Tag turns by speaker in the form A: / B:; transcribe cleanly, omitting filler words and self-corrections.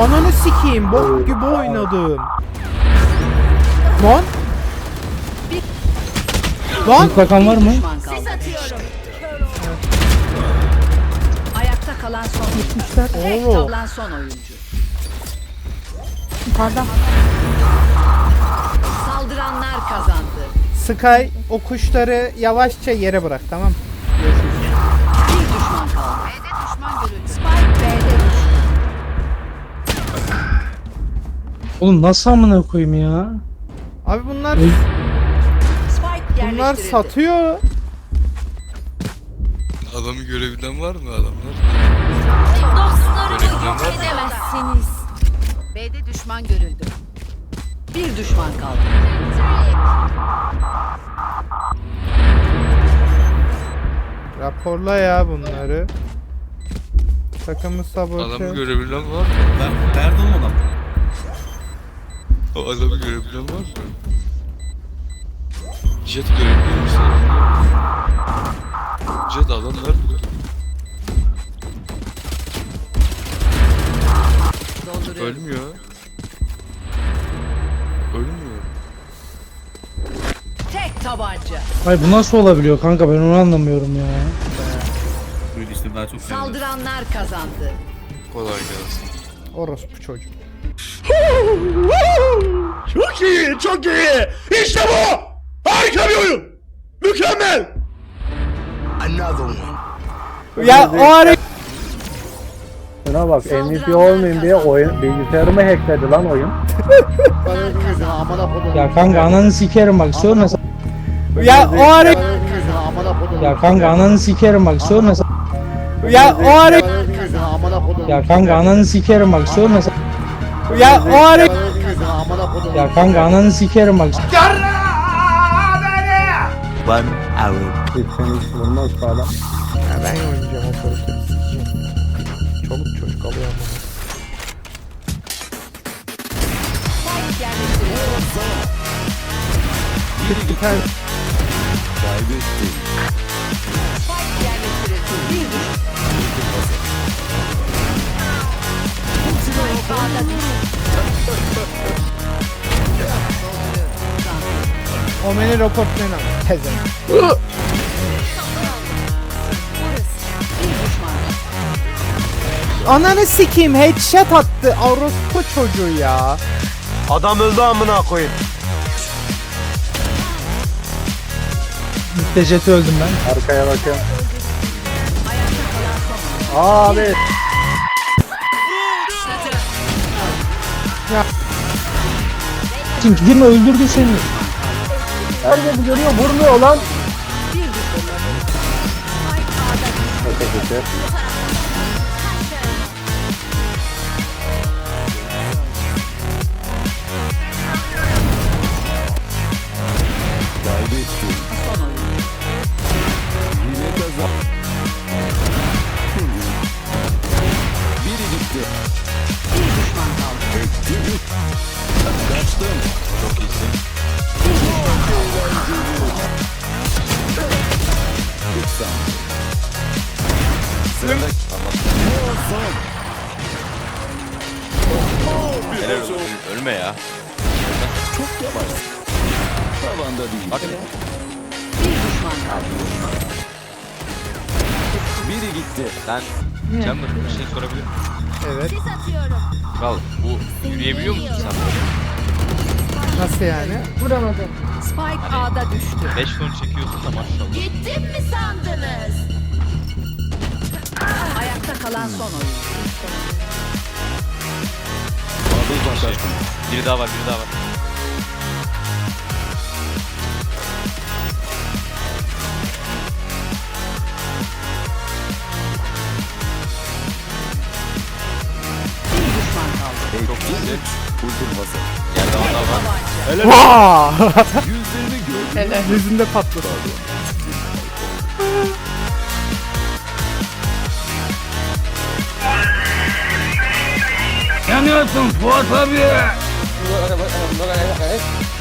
A: Ananı sikeyim, bok gibi oynadım. Lan. Lan.
B: Bakan var mı?
C: Ses atıyorum. Ayakta kalan son oyuncu. Tek
A: Oo.
C: kalan son oyuncu.
D: Yukarıda.
C: Saldıranlar kazandı.
A: Sky o kuşları yavaşça yere bırak, tamam. Görüşürüz.
C: Bir düşman kaldı. B'de düşman görüldü. Spike B'de düştü.
B: Oğlum nasıl amına koyayım ya?
A: Abi bunlar
C: Spike yerleştirildi.
A: satıyor.
E: Adamı görebilen var mı adamlar?
C: Dostlarımı yok edemezsiniz. B'de düşman görüldü. Bir düşman kaldı.
A: Raporla ya bunları. Takımı sabote.
E: Adamı görebilen var mı?
F: Nerede o adam?
E: O adamı görebilen var mı? Jet görebiliyor musun? Jet adam nerede?
C: Dolduruyorum.
E: Ölmüyor. Ölmüyor.
C: Tek tabanca.
B: Ay bu nasıl olabiliyor kanka, ben onu anlamıyorum ya.
F: Böyle işte daha çok seviyorum.
C: Saldıranlar kazandı.
E: Kolay gelsin.
A: Orospu çocuk.
G: Çok iyi, çok iyi. İşte bu. Harika bir oyun. Mükemmel. Another one.
A: Ya o ara
H: Şuna bak, MVP
C: Saldıranlar
H: olmayayım diye
C: kazandı.
H: oyun bilgisayarımı hackledi lan oyun.
B: Ya kanka ananı sikerim bak, sorma.
A: ya o ara
B: Ya kanka ananı sikerim bak, sorma.
A: ya o ara
B: Ya kanka ananı sikerim bak, sorma.
A: ya o ara
B: Ya kanka ananı sikerim bak.
H: Hiç seni hiç vurmaz falan.
A: Ya ben oynayacağım o sorusu. Çoluk çocuk alıyor ama.
C: Spike yerleştirildi.
A: Bir tane
C: Spike yerleştirildi. Bir düşman. Spike A'da düştü.
A: Omen'i raportlayın ama. Tezen.
C: Bir düşman.
A: Ananı sikeyim, headshot attı. Orospu çocuğu ya.
G: Adam öldü amına koyayım.
B: Mütteceti öldüm ben.
H: Arkaya bakıyorum.
C: Ayakta kalan son oyuncu.
H: Abi.
B: Çünkü girme, öldürdü seni.
H: Herkes görüyor, vurmuyor lan.
C: Bir düşman. Spike A'da düştü. Son oyuncu. Bir düşman kaldı.
E: Çok iyisin. Helal olsun. Ölme ya. Bak.
C: Bir düşman kaldı.
E: Sen Chamber bir şey sorabilir miyim?
A: Evet.
E: Kral bu yürüyebiliyor musun sen?
A: Nasıl yani?
C: Spike A'da düştü.
E: 5 ton çekiyorsun da maşallah.
C: Gittim mi sandınız? Ayakta kalan son oyuncu.
E: Biri daha var, biri daha var.
C: Bir düşman kaldı.
E: Çok iyisin. Yerde adam var.
A: Vaa! Yüzünde patladı.
B: Yanıyorsun Fuat abi.